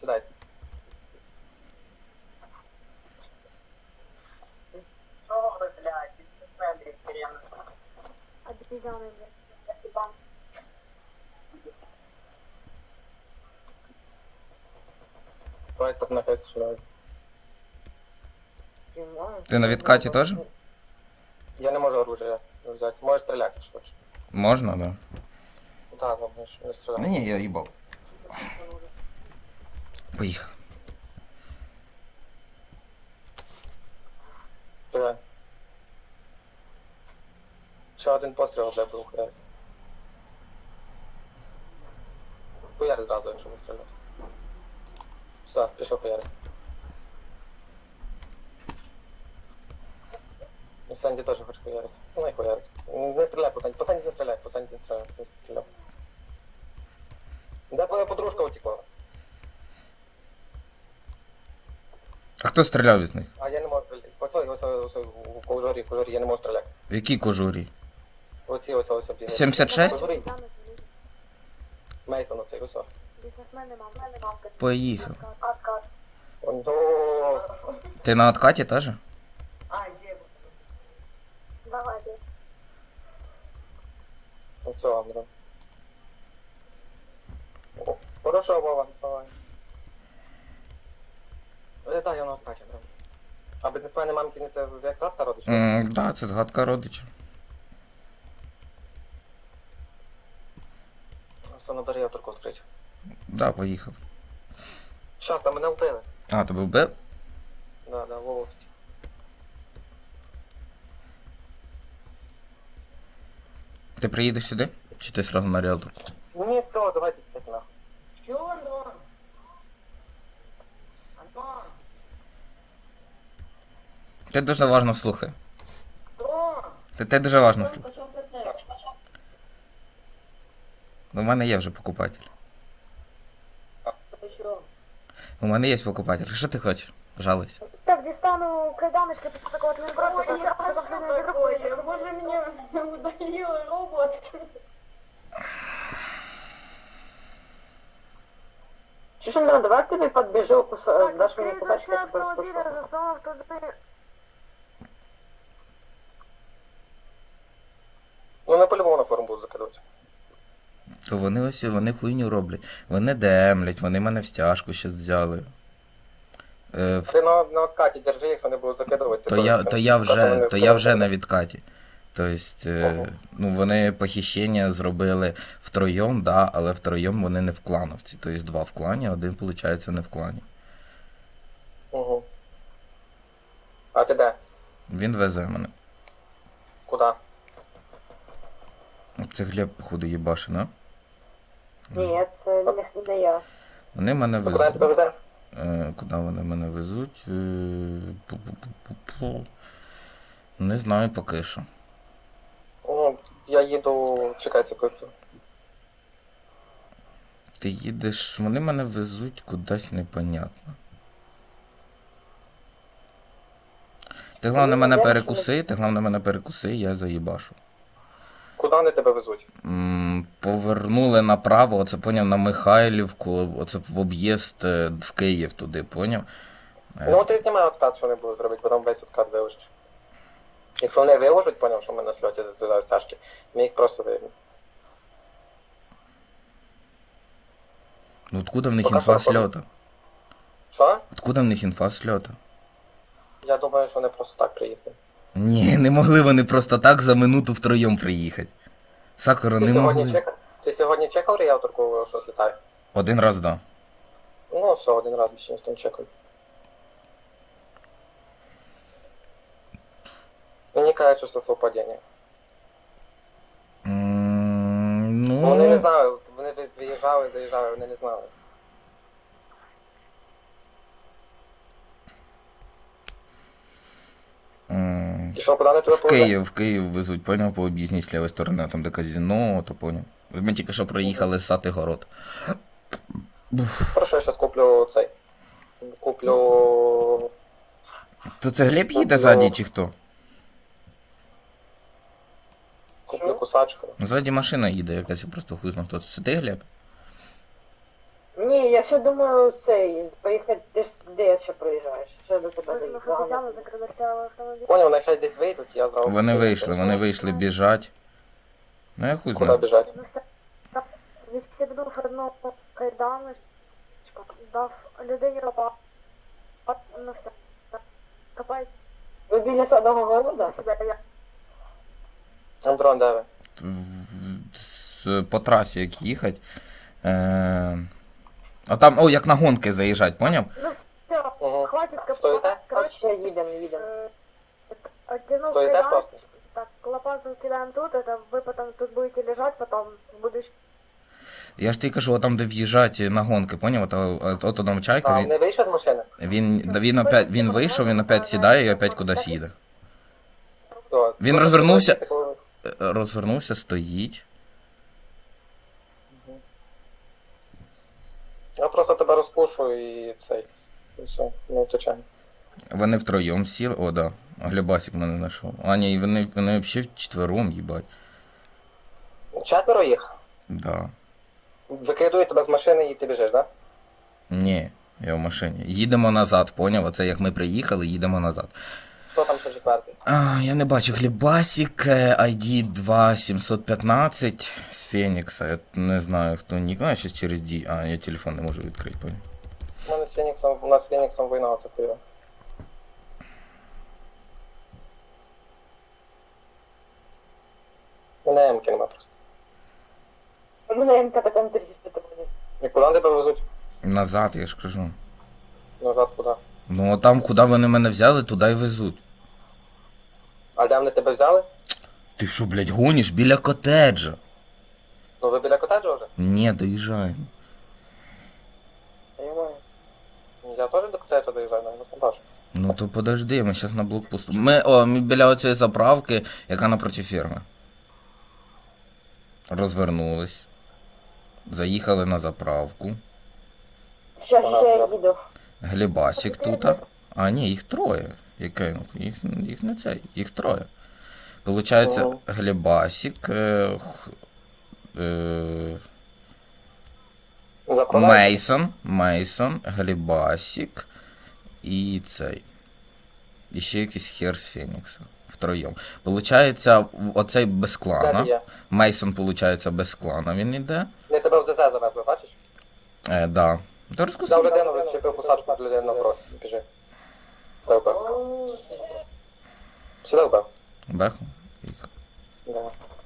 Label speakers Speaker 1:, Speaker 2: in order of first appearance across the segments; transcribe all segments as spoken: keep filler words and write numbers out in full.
Speaker 1: Сідайте.
Speaker 2: Що ви, блядь, бізнесмени хрен?
Speaker 3: Обезьяны, блядь. Типа.
Speaker 1: Давайте на хай стріляють.
Speaker 4: Ти на відкаті теж?
Speaker 1: Я не можу оружие взяти. Можеш стріляти, якщо хочеш.
Speaker 4: Можна, да.
Speaker 1: Так, ну, не, не стріляти.
Speaker 4: Ні, ні, я їбав. Поїхав.
Speaker 1: Стріляй. Ще один постріл, де був хуяр. Хуяр зразу, якщо не стріляти. Все, пішов хуяр. І Санді теж хоче хуярити. Ну, не хуярить. Не стріляй по Санді, по Санді не стріляй, по Санді не стріляй, не стріляй. Де твоя подружка утекла?
Speaker 4: А хто стріляв із них?
Speaker 1: А я не можу стріляти. Оце, ось, ось, ось, у кожурі, кожурі, я не можу стріляти.
Speaker 4: В якій кожурі?
Speaker 1: Оці, ось, ось, ось.
Speaker 4: сімдесят шесть?
Speaker 1: Кожурі. Мейсон, оцей, ось.
Speaker 3: Бизнесмены, мама, мамка.
Speaker 4: Поїхав.
Speaker 3: Откат.
Speaker 1: О,
Speaker 4: Ти на откаті теж?
Speaker 2: А, зебра.
Speaker 3: Давай, блядь.
Speaker 1: оце, Андре. О, хорошо, Вова, давай. Е, так, я у нас Катя, Андрей. А бізнесмени мамкини це як завтра родиш?
Speaker 4: Так, да, це згадка родичів.
Speaker 1: Все, на дорі авторку відкрити.
Speaker 4: Да, поїхав.
Speaker 1: Щас, там мене вбили.
Speaker 4: А, тебе вбив?
Speaker 1: Да, да, Вова.
Speaker 4: Ти приїдеш сюди? Чи ти сразу на ріалторку?
Speaker 1: Ні, все, давайте тікати нахуй.
Speaker 2: Чё, Антон? Антон,
Speaker 4: Ти дуже важно слухай.
Speaker 2: Антон!
Speaker 4: Ти, ти дуже важно
Speaker 2: Антон,
Speaker 4: слухай.
Speaker 2: пошел ПТ.
Speaker 4: У мене є вже покупатель.
Speaker 2: Еще.
Speaker 4: У мене є покупатель. Що ти хочеш? Жалуйся.
Speaker 3: Так, дістану кайданочки, після такого не брати,
Speaker 2: Ой,
Speaker 3: то
Speaker 2: я
Speaker 3: це
Speaker 2: что такое? Боже, меня удалил робот.
Speaker 5: Слушай, Андрей, давай ты мне подбежу, куса-
Speaker 3: Так,
Speaker 5: дашь мне
Speaker 3: відкрий
Speaker 5: кусачек,
Speaker 3: дверці
Speaker 5: я тебя
Speaker 3: автомобіля,
Speaker 5: спрошу.
Speaker 3: засунув туди.
Speaker 1: Ну, на по-любому на форум будуть закидувати.
Speaker 4: То вони ось вони хуйню роблять. Вони демлять, вони мене в стяжку щас взяли. Е, в-
Speaker 1: Ти на, на откаті держи, якщо не будуть закидувати.
Speaker 4: то, я, то, я вже,
Speaker 1: вони
Speaker 4: то я вже
Speaker 1: скажуть.
Speaker 4: на відкаті. Тобто, е,
Speaker 1: Ага.
Speaker 4: ну, вони похищення зробили втроєм, да, але втроєм вони не в клановці. Тобто два в клані, один, виходить, не в клані.
Speaker 1: Угу. А ти де?
Speaker 4: Він везе мене.
Speaker 1: Куда?
Speaker 4: Це Глеб, походу, їбаши, да?
Speaker 5: Нет, э, не, не я.
Speaker 4: Вони мене
Speaker 1: Ну, куди я тебе
Speaker 4: везуть.
Speaker 1: везе?
Speaker 4: Е, куди вони мене везуть? Е, пу-пу-пу-пу-пу. Не знаю поки що.
Speaker 1: Ну, я їду, чекай секунду.
Speaker 4: Ти їдеш, вони мене везуть кудись непонятно. Ти головне мене перекуси, ти головне мене перекуси, я заїбашу.
Speaker 1: Куди вони тебе везуть?
Speaker 4: М, Повернули направо, оце поняв, на Михайлівку, оце в об'їзд е, в Київ туди, поняв? Е,
Speaker 1: Ну, ти знімай откат, що вони будуть робити, потім весь откат виложиш. Якщо вони виложать, поняв, що ми на сльоті з Сашки, ми їх просто виявимо.
Speaker 4: Ну откуда в них
Speaker 1: Пока
Speaker 4: інфа
Speaker 1: що,
Speaker 4: сльота?
Speaker 1: Що?
Speaker 4: Откуда в них інфа сльота?
Speaker 1: Я думаю, що вони просто так приїхали.
Speaker 4: Ні, не могли вони просто так за минуту втроєм приїхати. Сакура,
Speaker 1: Ти
Speaker 4: не
Speaker 1: сьогодні,
Speaker 4: могли.
Speaker 1: чекав, ти сьогодні чекав ріелторку, що злітає?
Speaker 4: Один раз, да.
Speaker 1: Ну, все, один раз більше ніхто не чекав. Мені кажуть, що це совпадіння.
Speaker 4: М,
Speaker 1: Ну, вони не
Speaker 4: Ну,
Speaker 1: знали, вони ви- виїжджали, заїжджали, вони не знали.
Speaker 4: м,
Speaker 1: І що, куди вони тебе
Speaker 4: в
Speaker 1: повезли?
Speaker 4: Київ, в Київ везуть, поняв, по об'їзній з лівої сторони, там де казино, то поняв. Ми тільки що проїхали з Сатигород.
Speaker 1: Хорошо, я зараз куплю цей. Куплю...
Speaker 4: То це Глеб їде ззаді чи хто?
Speaker 1: Куплю кусачку.
Speaker 4: Ззаді машина їде якась, я просто хуй знав, хто це. Це ти, Глеб?
Speaker 5: Не, я ще думаю цей, поїхати, ти ж де я ще проїжджаєш? Що до тебе
Speaker 3: Ми
Speaker 5: доїхати?
Speaker 3: фотозями закрилися автомобіль.
Speaker 1: Поняв, нехай десь вийдуть, я зразу...
Speaker 4: Вони вийшли, вони вийшли біжать. Ну я хуй
Speaker 1: Куди
Speaker 4: знаю.
Speaker 1: біжать?
Speaker 3: Ну, все. Відстібнув одну кайданочку, дав людині лопату. Ну все. Копай
Speaker 5: Ви біля садового города?
Speaker 3: себе. Я
Speaker 1: Андрон, де ви?
Speaker 4: В- з- По трасі як їхати. Е... А там, о, як на гонки заїжджать, поняв?
Speaker 3: Ну все,
Speaker 1: Угу.
Speaker 3: хватит
Speaker 1: Стоїте?
Speaker 3: копать.
Speaker 5: А
Speaker 3: Короче,
Speaker 5: ще їдемо, їдемо.
Speaker 3: э, оттянул
Speaker 1: Стоїте
Speaker 3: кайдан.
Speaker 1: просто?
Speaker 3: Так, лопату кидаем тут, это вы потом тут будете лежать, потом будешь...
Speaker 4: Я ж тобі кажу, там де в'їжджати на гонки, поняв? От, от, от там чайка,
Speaker 1: А,
Speaker 4: він,
Speaker 1: не вийшов з машини?
Speaker 4: він, да, він, опять, він вийшов, він опять сідає і опять кудись їде.
Speaker 1: О,
Speaker 4: Він
Speaker 1: ну,
Speaker 4: розвернувся.
Speaker 1: ти коли-
Speaker 4: Е, Розвернувся, стоїть.
Speaker 1: Я просто тебе розпушу і цей. І все, не втечемо.
Speaker 4: Вони втроєм сіли. О, да. Глебасик мене знайшов. А, ні, вони, вони взагалі вчетвером, їбать.
Speaker 1: Четверо їх.
Speaker 4: Да.
Speaker 1: Викидують тебе з машини і ти біжиш, так?
Speaker 4: Ні, я в машині. Їдемо назад, поняв? Оце як ми приїхали, їдемо назад.
Speaker 1: Хто там ще четвертий?
Speaker 4: А, я не бачу. Глебасик, е, ай ді два сімсот п'ятнадцять з Фенікса. Я не знаю, хто нік. Ну, я щас через Ді. А, я телефон не можу відкрити, поняв.
Speaker 1: У мене з Феніксом, у нас з Феніксом війна, це хуйово. Мене Емки нема просто.
Speaker 5: У мене ем ка така на тридцять п'ять.
Speaker 1: І куди тебе везуть?
Speaker 4: Назад, я ж кажу.
Speaker 1: Назад куди?
Speaker 4: Ну, а там, куди вони мене взяли, туди й везуть.
Speaker 1: А де вони тебе взяли?
Speaker 4: Ти що, блядь, гониш біля котеджа?
Speaker 1: Ну ви біля котеджа вже?
Speaker 4: Ні, доїжджаємо.
Speaker 5: Понимаю.
Speaker 1: Я теж до котеджа доїжджаю, але вас не бачу.
Speaker 4: Ну то подожди, ми зараз на блокпосту. Ми, о, ми біля оцієї заправки, яка напроти ферми. Розвернулись. Заїхали на заправку.
Speaker 5: Щас ще я їду.
Speaker 4: Глебасик тут. А, ні, їх троє. Яке? Їх, їх не це, їх троє. Получається,
Speaker 1: Ого.
Speaker 4: Глебасик, е, х- е,
Speaker 1: Заправляю.
Speaker 4: Мейсон, Мейсон, Глебасик і цей. І ще якийсь хер з Фенікса. Втроєм. Получається, в- оцей без
Speaker 1: Де
Speaker 4: клана.
Speaker 1: ти є?
Speaker 4: Мейсон, получається, без клана він іде.
Speaker 1: Не тебе в ЗЗ завезли, бачиш?
Speaker 4: Е, да. Та
Speaker 1: Взяв
Speaker 4: розкусив.
Speaker 1: людину, відчепив посадку для людини напроти. Біжи. Сідай в бек. Сідай в бек.
Speaker 4: Беху. Їхав.
Speaker 1: Да.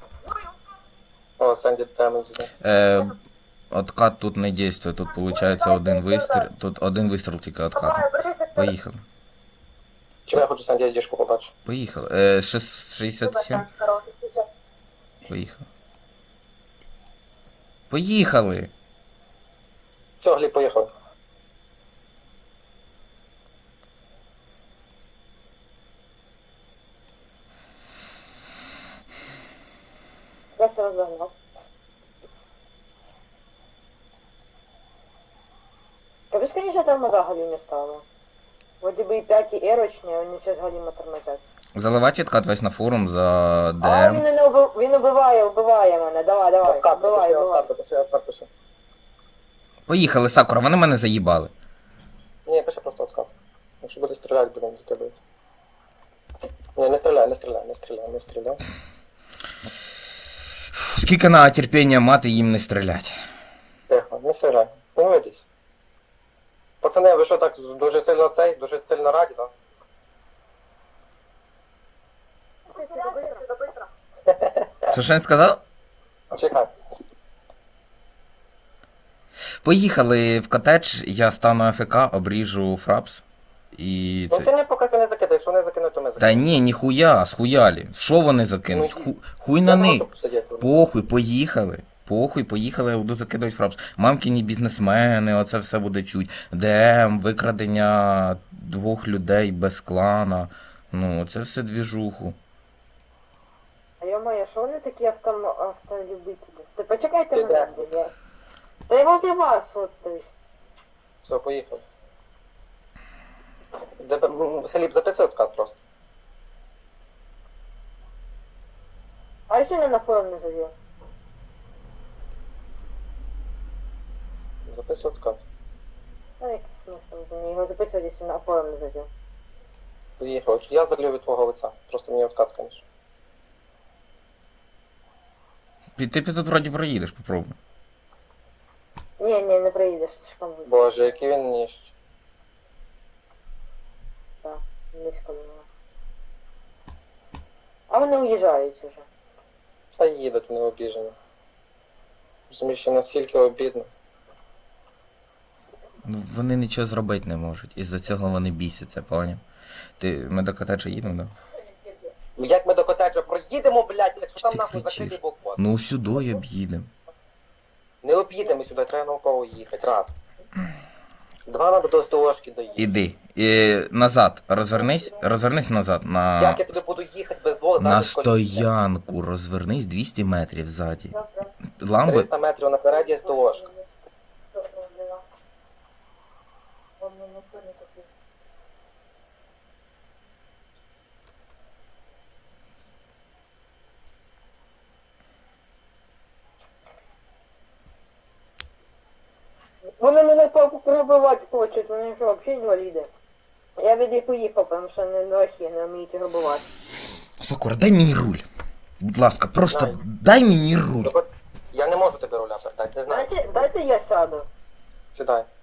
Speaker 1: О, Сенді, це ми взяли.
Speaker 4: Е, откат тут не дійствує, тут виходить один вистріл. Тут один вистріл тільки откату. Поїхали.
Speaker 1: Чим я хочу Сенді діжку побачити?
Speaker 4: Поїхали. Е, шест- шістдесят сім. Поїхали. Поїхали!
Speaker 1: Все, Гліб, поїхали.
Speaker 5: Я все розвернув. Капець, конечно, там взагалі не стало. Вроді би і п'ять і ерочні, а вони зараз галімо тормозять.
Speaker 4: Заливати відкат весь на форум за
Speaker 5: А, він
Speaker 4: ДМ.
Speaker 5: мене уби... він убиває, убиває мене. Давай, давай,
Speaker 1: Откат,
Speaker 5: убивай,
Speaker 1: пиши,
Speaker 5: убивай.
Speaker 1: откат, пиши, откат, пиши.
Speaker 4: Поїхали, Сакура, вони мене заїбали.
Speaker 1: Ні, пиши просто откат. Якщо буде стріляти, будемо закидувати. Ні, не стріляй, не стріляй, не стріляй, не стріляй.
Speaker 4: Скільки на терпіння мати їм не стрілять.
Speaker 1: Тихо, не стріляй. Не ведись. Пацани, ви що так дуже сильно цей, дуже сильно раді, так?
Speaker 4: Що ж він сказав?
Speaker 1: Чекай.
Speaker 4: Поїхали в котедж, я стану АФК, обріжу фрапс. І
Speaker 1: Ну
Speaker 4: це.
Speaker 1: ти не поки не закидай, якщо не закинуть, то ми
Speaker 4: Та
Speaker 1: закинемо.
Speaker 4: ні, ніхуя, схуялі. Що вони закинуть?
Speaker 1: Ну,
Speaker 4: Ху... Хуй на
Speaker 1: Я не
Speaker 4: них.
Speaker 1: можу посидіти.
Speaker 4: Похуй, поїхали. Похуй, поїхали, я буду закидувати фрапс. Мамкіні бізнесмени, оце все буде чуть. ДМ, викрадення двох людей без клана. Ну, це все двіжуху.
Speaker 5: А йо-моє, що вони такі авто... автолюбителі? Ти почекайте
Speaker 1: Ти
Speaker 5: мене,
Speaker 1: де?
Speaker 5: блядь, я... Та я возле вас, от ти.
Speaker 1: Все, поїхали. Де- м, Філіп, записуй откат просто.
Speaker 5: А якщо не на форум не завів?
Speaker 1: Записуй откат.
Speaker 5: А який смисл? Мені його записувати, якщо на форум не зайду.
Speaker 1: Поїхав. Я залью від твого лиця. Просто мені откат скажеш.
Speaker 4: Ти, ти тут вроді проїдеш, попробуй.
Speaker 5: Ні, ні, не приїдеш, слишком близько.
Speaker 1: Боже, який він ніж.
Speaker 5: Так, близько до нього. А вони уїжджають уже.
Speaker 1: Хай їдуть, вони обіжені. Розумієш, що настільки обідно.
Speaker 4: Ну, вони нічого зробити не можуть. Із-за цього вони бісяться, поняв? Ти, ми до котеджа їдемо, да?
Speaker 1: Як ми до котеджа проїдемо, блядь, якщо
Speaker 4: Що
Speaker 1: там
Speaker 4: ти
Speaker 1: нахуй
Speaker 4: кричиш?
Speaker 1: закритий блокпост.
Speaker 4: Ну сюди об'їдемо.
Speaker 1: Не об'їдемо сюди, треба науково їхати. Раз. Два, надо до СТОшки доїхати.
Speaker 4: Іди. І, назад. Розвернись. Розвернись назад. На,
Speaker 1: Як я тобі буду їхати без двох
Speaker 4: на
Speaker 1: задніх коліс?
Speaker 4: стоянку. Розвернись двісті метрів ззаді. Ламби.
Speaker 1: триста метрів напереді СТОшка.
Speaker 5: Вони мене папу пробивати хочуть, вони що, взагалі інваліди. Я від них уїхав, тому що не лохи, не вміють грабувати.
Speaker 4: Сокура, дай мені руль. Будь ласка, просто
Speaker 1: Дай.
Speaker 4: дай мені руль.
Speaker 1: Я не можу тобі руля передати, не знаю.
Speaker 5: Дайте, дайте я сяду.
Speaker 1: Сідай.